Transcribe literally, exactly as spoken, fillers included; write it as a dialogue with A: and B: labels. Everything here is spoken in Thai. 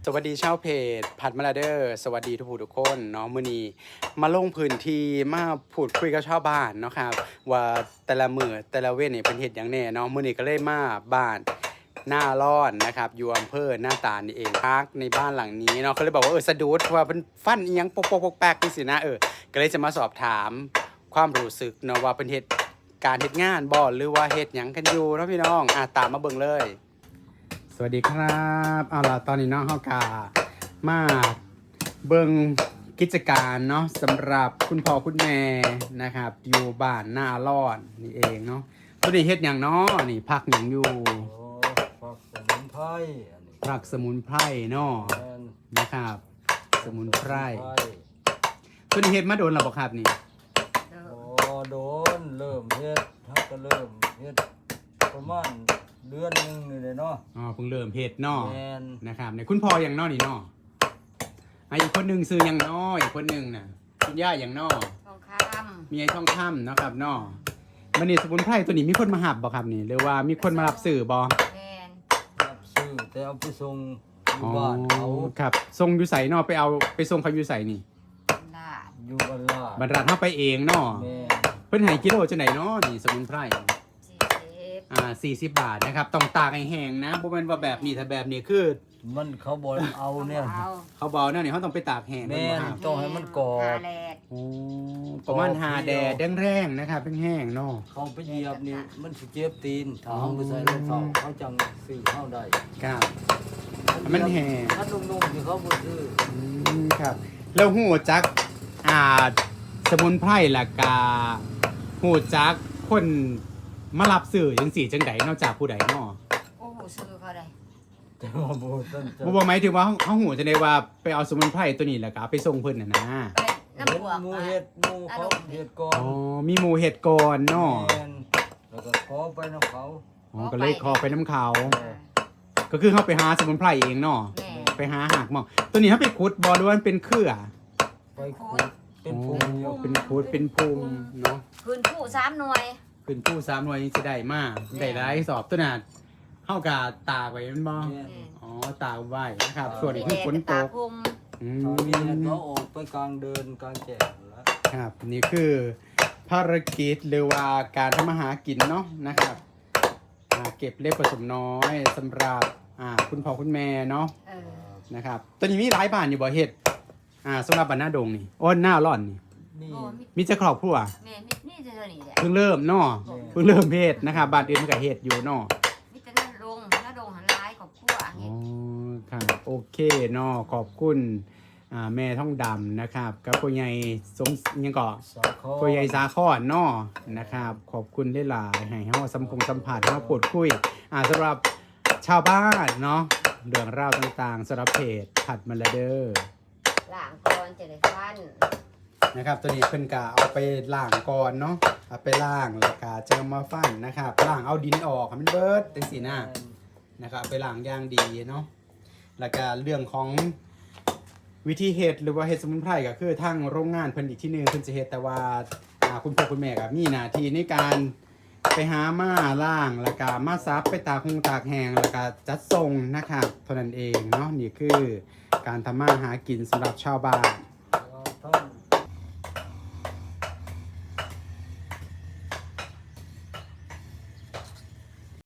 A: สวัสดีชาวเพจผัดมาลาเดอร์สวัสดีทุกผู้ทุกคนเนาะมื้อนี้มาลงพื้นที่มาพูดคุยกับชาวบ้านเนาะครับว่าแต่ละมื้อแต่ละเว้นนี่เป็นเฮ็ดหยังแน่เนาะมื้อนี้ก็เลยมาบ้านหน้าร้อนนะครับอยู่อำเภอหน้าตาลนี่เองพักในบ้านหลังนี้เนาะเขาเลยบอกว่าเออสะดุดเพราะว่าเพิ่นฟันอีหยังปกๆๆแปลกๆจังซี่นะเออก็เลยจะมาสอบถามความรู้สึกเนาะว่าเพิ่นเฮ็ดการเฮ็ดงานบ่หรือว่าเฮ็ดหยังกันอยู่เนาะพี่น้องอ่ะตามมาเบิ่งเลยสวัสดีครับเอาล่ะตอนนี้น้องเฮากามาเบิ่งกิจการเนาะสำหรับคุณพ่อคุณแม่นะครับอยู่บ้านหน้าร้อนนี่เองเนาะตัวนี้เฮ็ดหยังเนาะนี่พักหยังอยู่
B: โอ้ผักสมุนไพรอันนี้
A: ผักสมุนไพรเนาะ
B: แม่น
A: นะครับ สมุนไพร
B: สมุน
A: ตัวนี้เฮ็ดมาโดนแล้วบ่ครับนี่
B: โอ้โดนเริ่มเฮ็ดทักก็เริ่มเฮ็ดประมาณเดือนหนึงนี่เลยเนาะ
A: อ๋อเพิ่งเริ่มเฮ็ดเนาะ
B: แม่น
A: นะครับเนี่ยคุณพ่อหยังเนาะนี่เนาะอ่ะอีกคนหนึงซื้อหยังเนาะอีกคนหนึงน่ะคุณย่าหยังเนาะ
C: ทองค
A: มีไอ้ทองคำเนาะครับเนาะมันนี่สมุนไพรตัวนี้มีคนมาหับบ่ครับนี่หรือว่ามีคนมารับซื้อบ่
C: ำแมน
B: รับซื้อแต่เอาไปส่งอยู่
A: อ๋อ
B: บ้านเขา
A: ครับส่งอยู่ไสเนาะไปเอาไปส่งเขาอยู่ไสนี่
C: ลาด
B: อยู่บ้านลาด
A: บรรดาเฮาไปเองเนาะ
B: แม่น
A: เพิ่นให้กิโลจังไดเนาะนี่สมุนไพร
C: สี่สิบ
A: อ่าสี่สิบบาทนะครับต้องตากให้แห้งนะบ่แม่นว่าแบบนี้ถ้าแบบนี้คือ
B: มันเขาบ่เอาเนี่ย
C: เอา
A: เขาบอกนั่นนี่เขาต้องไปตากแห้ง
B: แม่น
A: ครับ
B: ต้องให้มันกรอบ
C: หาแลด
A: โอ้ประมาณหาแดดแรงๆนะครับแห้งๆเนาะ
B: เขาไปเหยียบนี่มันสิเจ็บตีนถ้าเอาไปใส่รถเขาเขาจังซื้อเข้าได้
A: ครับ มันแห้ง
B: ถ้านุ่มๆที่เขาบ่ซื้อ
A: อืมครับแล้วหูจักอ่าสมุนไพรล่ะกาหูจักคนมารับซื้อจังสี่จังใดนอกจากผู้ใดเนาะ
C: โอ้โหซื้อเขาได้
B: แต่ว่าบ่ต้นจะ
A: บ่บ่หมายถึงว่าเฮาเฮาหูจังได๋ว่าไปเอาสมุนไพรตัวนี้แล้วก็เอาไปส่งเพิ่นน่ะนะ
C: ไปน้ำ
B: เห็น
C: บวก
B: หมูเห็ดหมูเขาเห็ดก่อ
A: อ๋
B: น
A: อมีหมู่เฮ็ดก่อนเนาะ
B: แม่นแล้วก็ขอไปน้ำเขา
A: อ๋อก็เลยขอไปน้ำเขา
B: เออ
A: ก็คือเฮาไปหาสมุนไพรเองเนาะ
C: แม่
A: ไปหาหากหมอกตัวนี้เขาไปขุดบอล้วนเป็นเครือ
B: ไปขุดเป็นพุง
A: โอ้เป็นขุดเป็นพุงเนาะ
C: คืนผู้สามหน่วย
A: เป็นผู้สามหน่วยนี่จะได้มากได้หลายสอบตัวนั้นเข้ากับตากไว้มันบ่
B: แม่น
A: อ๋อตากไว้นะครับ ส่วนอีกคือฝนต
C: ตาก คุม
A: อื
B: ตอนนี้
A: ม
B: เขาออกไปกลางเดินกลางแจ้งแล้ว
A: ครับนี่คือภารกิจหรือว่าการทำมาหากินเนาะนะครับอ่าเก็บเล็บผสมน้อยสำหรับอ่าคุณพ่อคุณแม่เนาะ
C: เออ
A: นะครับตัวนี้มีหลายบ้านอยู่บ่เฮ็ดอ่าสำหรับบ้านหน้าดงนี่โอ้หน้าร่อนนี่
B: นี่
C: โอ้มี
A: มีจะครอบครัว
C: แม่มีนี่จะเท่านี้แหละ
A: เพิ่งเริ่มเนาะเพิ่งเริ่มเฮ็ดนะครับบ้านอื่นมันก็เฮ็ดอยู่เนาะ
C: มีแต่นั่นลงน้าดงหันร้ายของขั้ว
A: อ๋
C: เห็
A: อ
C: ด
A: ครับโอเคเนาะขอบคุณอ่าแม่ท่องดำนะครับกับพ่อใหญ่สมยังก่อ
B: สาคอ
A: พ่อใหญ่สาคอนเนาะนะครับขอบคุณหลายๆให้เฮาสัมพงสัมผัสเฮาพูดคุยอ่าสำหรับชาวบ้านเนาะเรื่องราวต่างๆสำหรับเพจผัดมาลาเดอร์
C: ล้างก่อนจะได้ฟัน
A: นะครับตัวนี้เพิ่นกะเอาไปล้างก่อนเนาะเอาไปล้างแล้วก็จะเอามาฟันนะครับล้างเอาดินออกให้มันเบิดจังซี่นะ นะครับเอาไปล้างอย่างดีเนาะ แล้วก็เรื่องของวิธีเฮ็ดหรือว่าเฮ็ดสมุนไพรก็คือทางโรงงานเพิ่นอีกที่หนึงเพิ่นจะเฮ็ดแต่ว่าอ่าคุณพ่อคุณแม่ก็มีหน้าที่ในการไปหามาล้างแล้วก็มาซับไปตากคงตากแห้งแล้วก็จัดส่งนะครับเท่านั้นเองเนาะนี่คือการทำมาหากินสำหรับชาวบ้าน